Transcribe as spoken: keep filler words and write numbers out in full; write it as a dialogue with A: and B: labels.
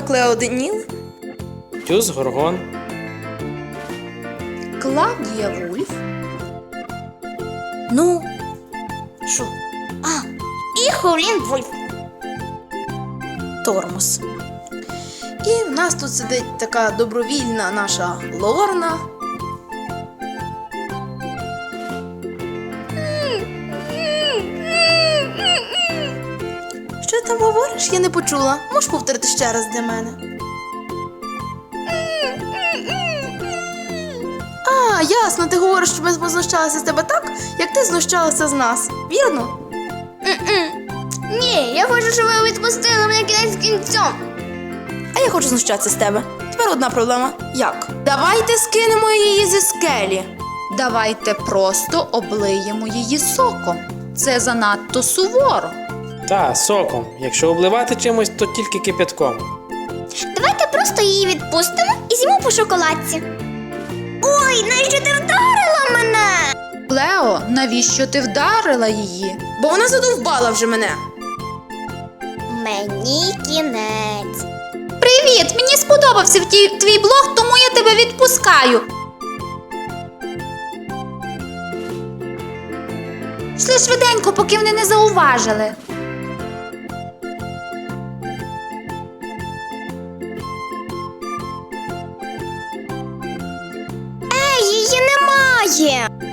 A: Клео Деніл,
B: Тюз Горгон,
A: Клавдія Вульф. Ну, що? А,
C: І Хулін Вульф.
A: Тормоз. І в нас тут сидить така добровільна наша Лорна. Що ти там говориш? Я не почула. Можеш повторити ще раз для мене? А, ясно, ти говориш, що ми познущалися з тебе так, як ти знущалася з нас. Вірно?
C: Ні, я хочу, щоб ви відпустили мене кінець кінцем.
A: А я хочу знущатися з тебе. Тепер одна проблема. Як? Давайте скинемо її зі скелі.
D: Давайте просто облиємо її соком. Це занадто суворо.
B: та соком. Якщо обливати чимось, то тільки кипятком.
C: Давайте просто її відпустимо і з'їмо по шоколадці. Ой, навіщо ти вдарила мене?
D: Клео, навіщо ти вдарила її?
A: Бо вона задовбала вже мене.
C: Мені кінець.
D: Привіт! Мені сподобався ті- твій блог, тому я тебе відпускаю. Йшли швиденько, поки вони не зауважили.
C: Ей, її немає.